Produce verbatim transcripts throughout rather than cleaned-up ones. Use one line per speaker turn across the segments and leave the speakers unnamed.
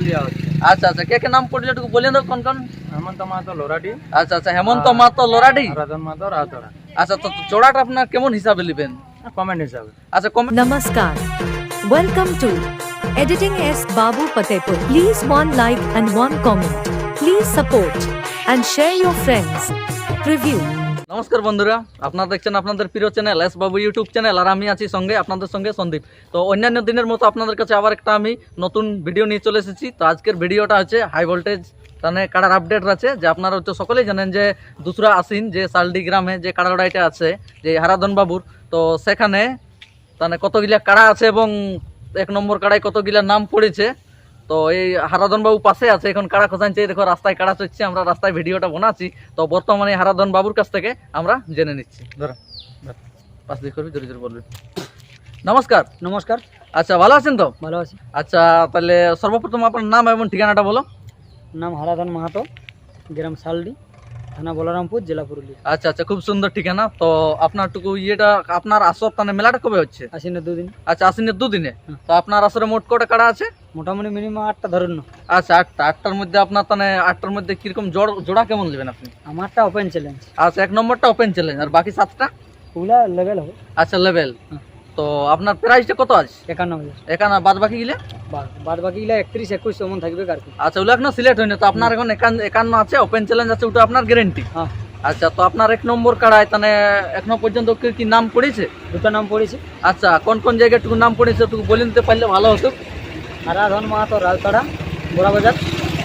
দেওয়া হচ্ছে।
আচ্ছা আচ্ছা, কে কে নাম পড়লো একটু বলে দাও কোন কোন?
হেমন্ত মাহাতো লোরাডি,
আচ্ছা আচ্ছা, হেমন্ত মাহাতো লোরাডি।
আরাধন মাহাতো রাউতরা।
আচ্ছা, তো জোড়াটা আপনার কেমন হিসাবে নেবেন?
কমেন্ট হিসাবে।
আচ্ছা, comment.
Namaskar. Welcome to Editing S. Babu Patepur. Please one like and one comment. Please support and share your friends. Preview.
নমস্কার বন্ধুরা, আপনারা দেখছেন আপনাদের প্রিয় channel S Babu YouTube channel, আর আমি আছি সঙ্গে আপনাদের সঙ্গে সন্দীপ। তো অন্যান্য দিনের মতো আপনাদের কাছে আবার একটা আমি নতুন ভিডিও নিয়ে চলে এসেছি। তো আজকের ভিডিওটা হচ্ছে হাই ভোল্টেজ মানে কাড়ার আপডেট আছে, যে আপনারা হচ্ছে সকলেই জানেন যে দুসরা আসিন যে সালডি গ্রামে যে কাড়া লড়াইটা আছে যে হারাধন বাবুর, তো সেখানে মানে কতগুলা কাড়া আছে এবং এক নম্বর কাড়ায় কতগুলা নাম পড়েছে। তো এই হারাধন বাবু পাশে আছে, এখন কাড়া খোঁজানছে, দেখো রাস্তায় কাড়া চড়ছে, আমরা রাস্তায় ভিডিওটা বানাচ্ছি। তো বর্তমানে হারাধন বাবুর কাছ থেকে আমরা জেনে নিচ্ছি। ধরো পাশ দিয়ে করবি, জোরে জোরে বলবি। নমস্কার।
নমস্কার।
আচ্ছা, ভালো আছেন তো?
ভালো আছি।
আচ্ছা, তাহলে সর্বপ্রথম আপনার নাম এবং ঠিকানাটা বলো।
নাম হারাধন মাহাতো, গ্রাম সালডি, থানা বলরামপুর, জেলা পুরুলিয়া।
আচ্ছা আচ্ছা, খুব সুন্দর ঠিকানা। তো আপনার টুকু ইয়েটা আপনার আসর মানে মেলাটা কবে হচ্ছে?
আশ্বিনের দুদিন।
আচ্ছা, আশ্বিনের দুদিনে। তো আপনার আসরে মোট কটা কাড়া আছে?
মোটামুটি মিনিমাম আটটা ধরুন না।
আচ্ছা, আটটা। আটটার মধ্যে আপনার মানে আটটার মধ্যে কিরকম জোড় জোড়া কেমন নেবেন আপনি?
আমারটা ওপেন চ্যালেঞ্জ।
আচ্ছা, এক নম্বরটা ওপেন চ্যালেঞ্জ, আর বাকি সাতটা
ওগুলা লেভেল হবে।
আচ্ছা, লেভেল। তো আপনার প্রাইসটা কত আছে?
একান্ন হাজার।
একান্ন, বাদ বাকি গিলে?
বাদ বাকি গিলা একত্রিশ একুশ এমন থাকবে আর কি।
আচ্ছা, ওগুলো এখনো সিলেক্ট হয়নি। তো আপনার এখন একান্ন একান্ন আছে, ওপেন চ্যালেঞ্জ আছে, ওটা আপনার গ্যারেন্টি।
হ্যাঁ।
আচ্ছা, তো আপনার এক নম্বর কাড়ায় মানে এখনো পর্যন্ত কি কি নাম পড়েছে?
দুটো নাম পড়েছে।
আচ্ছা, কোন কোন জায়গায় টুকু নাম পড়েছে একটু বলে নিতে পারলে ভালো হতো।
হারাধন মাহাতো রাউতাড়া, বোরাবাজার।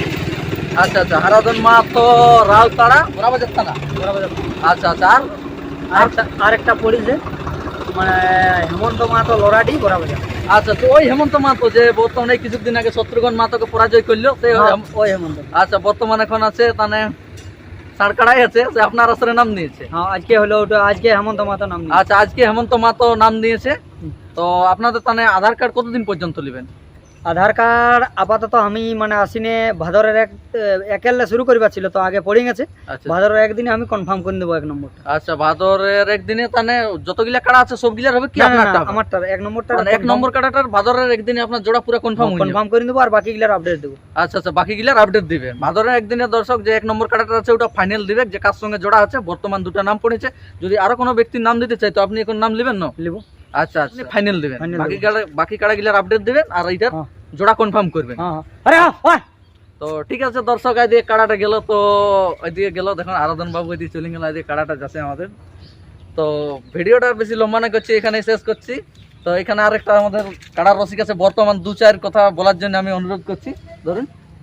আচ্ছা আচ্ছা, হারাধন মাহাতো রাউতাড়া, বোরাবাজার থানা।
বোরাবাজার।
আচ্ছা আচ্ছা, আর
আরেকটা আরেকটা পড়েছে মানে হেমন্ত মাহাতো লোরাডি, বোরাবাজার।
আচ্ছা, তো ওই হেমন্ত মাহাতো যে বর্তমানে কিছুদিন আগে শত্রুঘ্ন মাহাতোকে পরাজয় করলো, সেই
ওই হেমন্ত।
আচ্ছা, বর্তমানে এখন আছে মানে সারকাড়াই আছে, যে আপনার আসরে নাম নিয়েছে।
হ্যাঁ, আজকে হলো ওটা, আজকে হেমন্ত মাহাতো নাম নিয়েছে।
আচ্ছা, আজকে হেমন্ত মাহাতো নাম নিয়েছে। তো আপনাদের মানে আধার কার্ড কতদিন পর্যন্ত নেবেন?
আধার কার্ড আপাতত আমি মানে আসিনে ভাদরের এক একেলে শুরু করিবার ছিল, তো আগে পড়ে গেছে। ভাদরের একদিনে আমি কনফার্ম করে দেবো এক নম্বরটা।
আচ্ছা, ভাদরের একদিনে তাহলে যতগুলা কাড়া আছে সবগুলার হবে কি আপনারটা?
আমারটা এক নম্বরটা,
মানে এক নম্বর কাড়াটার ভাদরের একদিনে আপনার জোড়া পুরো কনফার্ম হয়ে
কনফার্ম করে দেবো, আর বাকি গিলার আপডেট দেবো।
আচ্ছা আচ্ছা, বাকি গিলার আপডেট দিবেন। ভাদরের একদিনে দর্শক যে এক নম্বর কাড়াটা আছে ওটা ফাইনাল দিবে, যে কার সঙ্গে জোড়া আছে। বর্তমান দুটো নাম পড়েছে, যদি আরো কোনো ব্যক্তির নাম দিতে চাই তো আপনি এখন নাম নেবেন না?
লিব।
আচ্ছা আচ্ছা, ফাইনাল দিবেন, বাকি কাড়া বাকি কাড়া গিলার আপডেট দিবেন, আর এইটার জোড়া কনফার্ম করবেন।
আরে
তো ঠিক আছে দর্শক, এদিকে কাড়াটা গেল, তো এদিকে গেল, দেখুন আরাধন বাবু এদিকে চলে গেল, এদিকে কাড়াটা যাচ্ছে আমাদের। তো ভিডিওটা বেশি লম্বা না করছি, এখানে শেষ করছি। তো এখানে আরেকটা আমাদের কাড়ার রসিক আছে, বর্তমান দু চার কথা বলার জন্য আমি অনুরোধ করছি। ধরুন।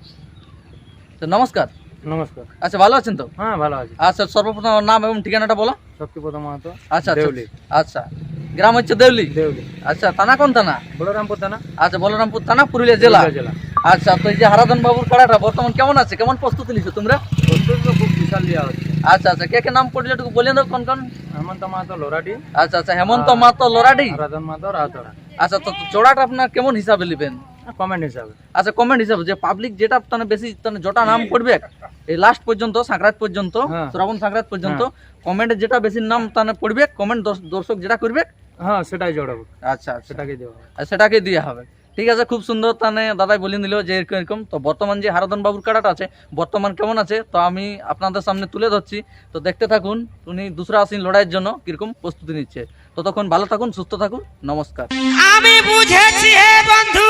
তো নমস্কার।
নমস্কার।
আচ্ছা, ভালো আছেন তো?
হ্যাঁ, ভালো আছি।
আচ্ছা, সর্বপ্রথম আমার নাম এবং ঠিকানাটা বলো।
শক্তিপদ মাহাতো।
আচ্ছা
দেউলি।
আচ্ছা, গ্রাম হচ্ছে দেউলি।
দেউলি।
আচ্ছা, থানা কোন থানা?
বলরামপুর থানা।
আচ্ছা, বলরামপুর থানা, পুরুলিয়া জেলা।
জেলা।
আচ্ছা, তো এই যে হারাধন বাবুর কাড়াটা বর্তমান কেমন আছে, কেমন প্রস্তুতি নিছো তোমরা?
প্রস্তুত তো খুব বিশাল দেওয়া হচ্ছে।
আচ্ছা আচ্ছা, কে কে নাম পড়লো একটু বলে দাও কোন কোন?
হেমন্ত মাহাতো লোরাডি।
আচ্ছা আচ্ছা, হেমন্ত মাহাতো লোরাডি।
আরাধন মাহাতো রাউতরা।
আচ্ছা, তো জোড়াটা আপনার কেমন হিসাবে নেবেন?
কমেন্ট হিসাবে।
আচ্ছা, কমেন্ট হিসাবে, যে পাবলিক যেটা মানে বেশি মানে জোটা নাম পড়বে এই লাস্ট পর্যন্ত, সংক্রান্ত পর্যন্ত, শ্রাবণ সংক্রান্ত পর্যন্ত কমেন্টে যেটা বেশি নাম তানে পড়বে, কমেন্ট দর্শক যেটা করবে
হ্যাঁ সেটাই জোড়াবো।
আচ্ছা,
সেটাকে দেওয়া হবে।
সেটাকে দেওয়া হবে। ঠিক আছে, খুব সুন্দর। তানে দাদাই বলে দিল যে এরকম এরকম। তো বর্তমান যে হারাধন বাবুর কাড়াটা আছে বর্তমান কেমন আছে, তো আমি আপনাদের সামনে তুলে ধরছি। তো দেখতে থাকুন উনি দুসরা আসিন লড়াইয়ের জন্য কিরকম প্রস্তুতি নিচ্ছে। ততক্ষণ ভালো থাকুন, সুস্থ থাকুন, নমস্কার।
আমি বুঝেছি হে বন্ধু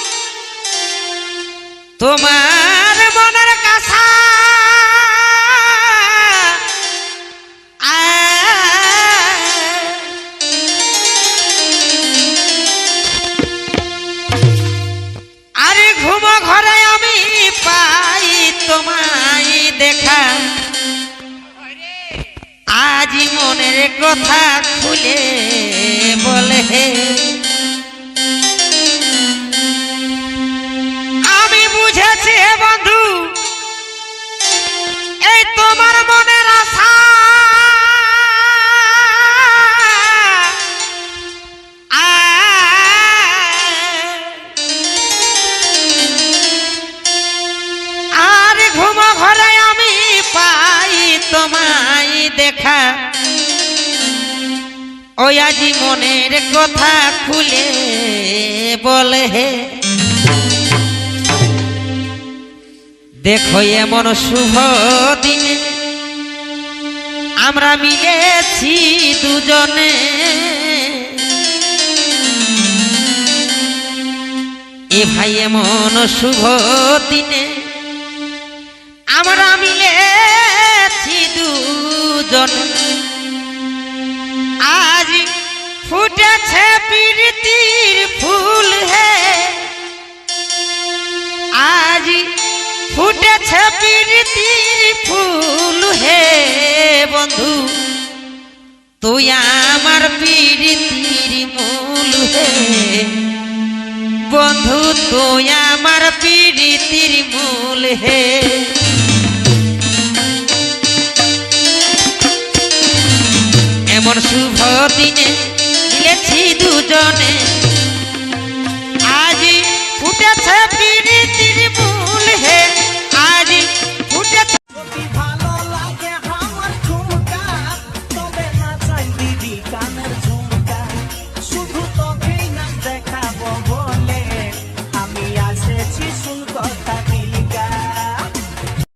তোমার মনের কথা, আরে ঘুম ঘরে আমি পাই তোমায় দেখা, আজ মনের কথা খুলে বলে আমি বুঝেছি হে বন্ধু এই তোমার মনের আশা, আর ঘুম ঘরে আমি পাই তোমায় দেখা, ওই আজি মনের কথা খুলে বলে দেখো এমন শুভ দিনে আমরা মিলেছি দুজনে, এ ভাই এমন শুভ দিনে আমরা মিলেছি দুজনে। আজ ফুটেছে প্রীতির ফুল হে, আজ ফুটেছে প্রীতির ফুল হে বন্ধু, তুই আমার প্রীতির মূল হে বন্ধু, তুই আমার প্রীতির মূল হে। এমন শুভ দিনে মিলেছি দুজনে,